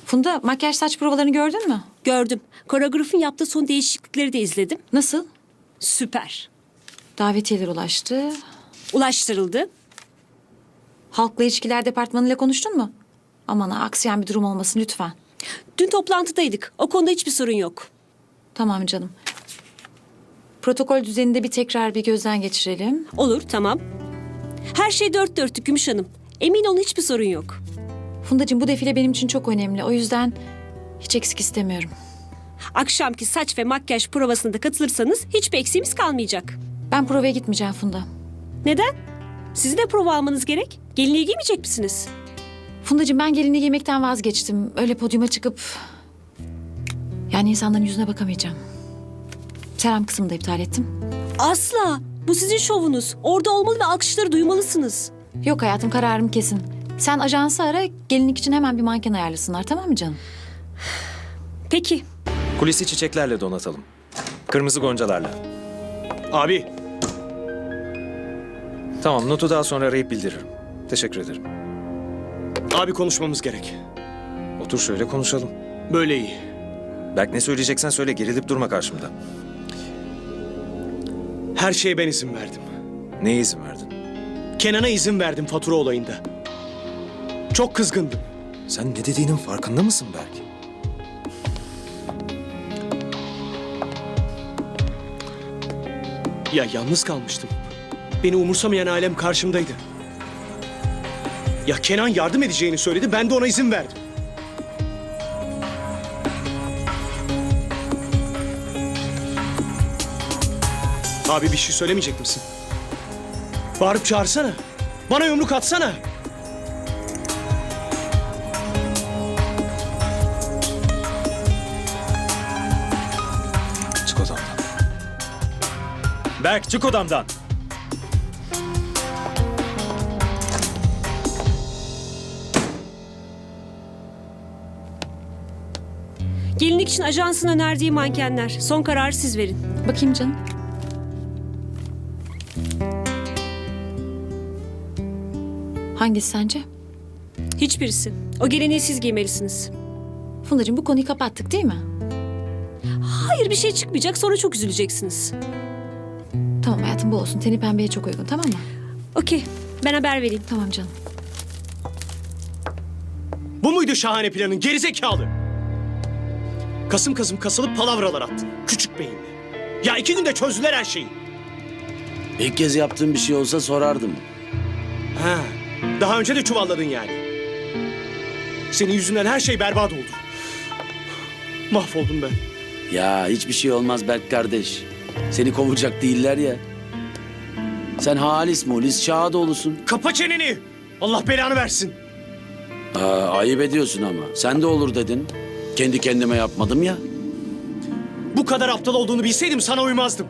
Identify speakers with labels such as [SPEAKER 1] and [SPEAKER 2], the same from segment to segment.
[SPEAKER 1] Funda, makyaj saç provalarını gördün mü?
[SPEAKER 2] Gördüm. Koreografın yaptığı son değişiklikleri de izledim.
[SPEAKER 1] Nasıl?
[SPEAKER 2] Süper.
[SPEAKER 1] Davetiyeler ulaştı.
[SPEAKER 2] Ulaştırıldı.
[SPEAKER 1] Halkla ilişkiler departmanıyla konuştun mu? Aman ha, aksayan bir durum olmasın lütfen.
[SPEAKER 2] Dün toplantıdaydık. O konuda hiçbir sorun yok.
[SPEAKER 1] Tamam canım. Protokol düzeninde bir tekrar bir gözden geçirelim.
[SPEAKER 2] Olur, tamam. Her şey dört dörtlük Gümüş Hanım. Emin olun hiçbir sorun yok.
[SPEAKER 1] Fundacığım, bu defile benim için çok önemli. O yüzden hiç eksik istemiyorum.
[SPEAKER 2] Akşamki saç ve makyaj provasına da katılırsanız hiçbir eksiğimiz kalmayacak.
[SPEAKER 1] Ben provaya gitmeyeceğim Funda.
[SPEAKER 2] Neden? Sizin de prova almanız gerek. Gelinliği giymeyecek misiniz?
[SPEAKER 1] Fundacığım, ben gelinliği giymekten vazgeçtim. Öyle podyuma çıkıp... Yani insanların yüzüne bakamayacağım. Selam kısmını da iptal ettim.
[SPEAKER 2] Asla. Bu sizin şovunuz. Orada olmalı ve alkışları duymalısınız.
[SPEAKER 1] Yok hayatım, kararım kesin. Sen ajansı ara, gelinlik için hemen bir manken ayarlasınlar, tamam mı canım?
[SPEAKER 2] Peki.
[SPEAKER 3] Kulisi çiçeklerle donatalım. Kırmızı goncalarla.
[SPEAKER 4] Abi,
[SPEAKER 3] Tamam, notu daha sonra arayıp bildiririm. Teşekkür ederim.
[SPEAKER 4] abi konuşmamız gerek.
[SPEAKER 3] Otur şöyle konuşalım.
[SPEAKER 4] Böyle iyi.
[SPEAKER 3] Berk, ne söyleyeceksen söyle, gerilip durma karşımda.
[SPEAKER 4] Her şeye ben izin verdim.
[SPEAKER 3] Neye izin verdin?
[SPEAKER 4] Kenan'a izin verdim fatura olayında. Çok kızgındım.
[SPEAKER 3] Sen ne dediğinin farkında mısın Berk?
[SPEAKER 4] Ya yalnız kalmıştım. Beni umursamayan ailem karşımdaydı. Ya Kenan yardım edeceğini söyledi, ben de ona izin verdim. Abi bir şey söylemeyecek misin? Bağırıp çağırsana. Bana yumruk atsana.
[SPEAKER 3] Çık odamdan. Berk, çık odamdan.
[SPEAKER 2] Gelinlik için ajansın önerdiği mankenler. Son kararı siz verin.
[SPEAKER 1] Bakayım canım. Hangisi sence?
[SPEAKER 2] Hiçbirisi. O gelinliği siz giymelisiniz.
[SPEAKER 1] Fundacığım, bu konuyu kapattık değil mi?
[SPEAKER 2] Hayır bir şey çıkmayacak sonra çok üzüleceksiniz.
[SPEAKER 1] Tamam hayatım, bu olsun. Teni pembeye çok uygun, tamam mı?
[SPEAKER 2] Okey ben haber vereyim.
[SPEAKER 1] Tamam canım.
[SPEAKER 4] Bu muydu şahane planın gerizekalı? Kasım kasım kasılıp palavralar attın. Küçük beyinli. Ya 2 günde çözdüler her şeyi.
[SPEAKER 5] İlk kez yaptığım bir şey olsa sorardım.
[SPEAKER 4] Ha, daha önce de çuvalladın yani. Senin yüzünden her şey berbat oldu. Mahvoldum ben.
[SPEAKER 5] Ya hiçbir şey olmaz Berk kardeş. Seni kovacak değiller ya. Sen halis mulis Şahadoğlu'sun.
[SPEAKER 4] Kapa çeneni. Allah belanı versin.
[SPEAKER 5] Ayıp ediyorsun ama. Sen de olur dedin. Kendi kendime yapmadım ya.
[SPEAKER 4] Bu kadar aptal olduğunu bilseydim sana uymazdım.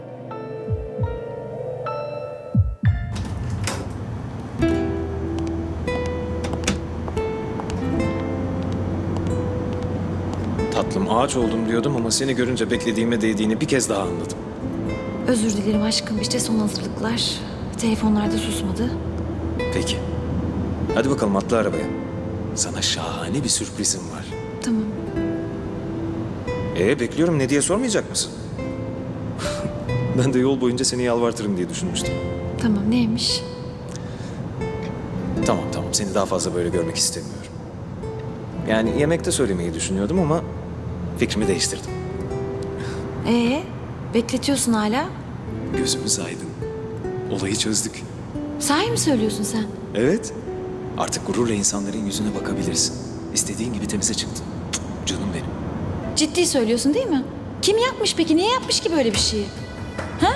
[SPEAKER 3] Tatlım, ağaç oldum diyordum ama seni görünce beklediğime değdiğini bir kez daha anladım.
[SPEAKER 1] Özür dilerim aşkım. İşte son hazırlıklar. Telefonlar da susmadı.
[SPEAKER 3] Peki. Hadi bakalım, atla arabaya. Sana şahane bir sürprizim var.
[SPEAKER 1] Tamam.
[SPEAKER 3] Bekliyorum, ne diye sormayacak mısın? Ben de yol boyunca seni yalvartırım diye düşünmüştüm.
[SPEAKER 1] Tamam, neymiş?
[SPEAKER 3] Tamam, seni daha fazla böyle görmek istemiyorum. Yani yemekte söylemeyi düşünüyordum ama fikrimi değiştirdim.
[SPEAKER 1] Bekletiyorsun hala.
[SPEAKER 3] Gözümüz aydın. Olayı çözdük.
[SPEAKER 1] Sahi mi söylüyorsun sen?
[SPEAKER 3] Evet. Artık gururla insanların yüzüne bakabilirsin. İstediğin gibi temize çıktın. Canım benim.
[SPEAKER 1] Ciddi söylüyorsun değil mi? Kim yapmış peki? Niye yapmış ki böyle bir şeyi? Ha?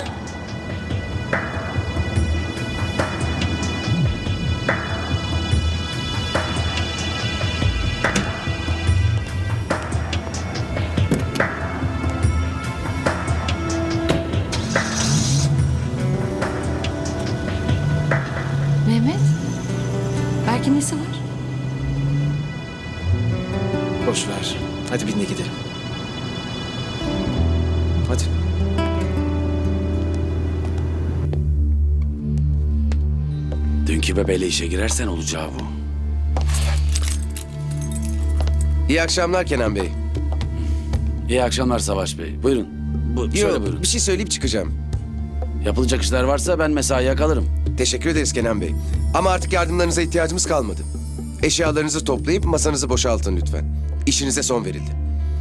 [SPEAKER 1] Mehmet? Berk'in nesi var?
[SPEAKER 3] Boş ver. Hadi bin de gidelim. Hadi.
[SPEAKER 5] Dünkü bebeğiyle işe girersen olacağı bu.
[SPEAKER 6] İyi akşamlar Kenan Bey.
[SPEAKER 5] İyi akşamlar Savaş Bey. Buyurun. Şöyle
[SPEAKER 6] Yok,
[SPEAKER 5] buyurun.
[SPEAKER 6] bir şey söyleyip çıkacağım.
[SPEAKER 5] Yapılacak işler varsa ben mesaiye kalırım.
[SPEAKER 6] Teşekkür ederiz Kenan Bey. Ama artık yardımlarınıza ihtiyacımız kalmadı. Eşyalarınızı toplayıp masanızı boşaltın lütfen. İşinize son verildi.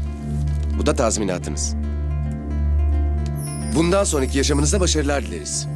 [SPEAKER 6] Bu da tazminatınız. Bundan sonraki yaşamınızda başarılar dileriz.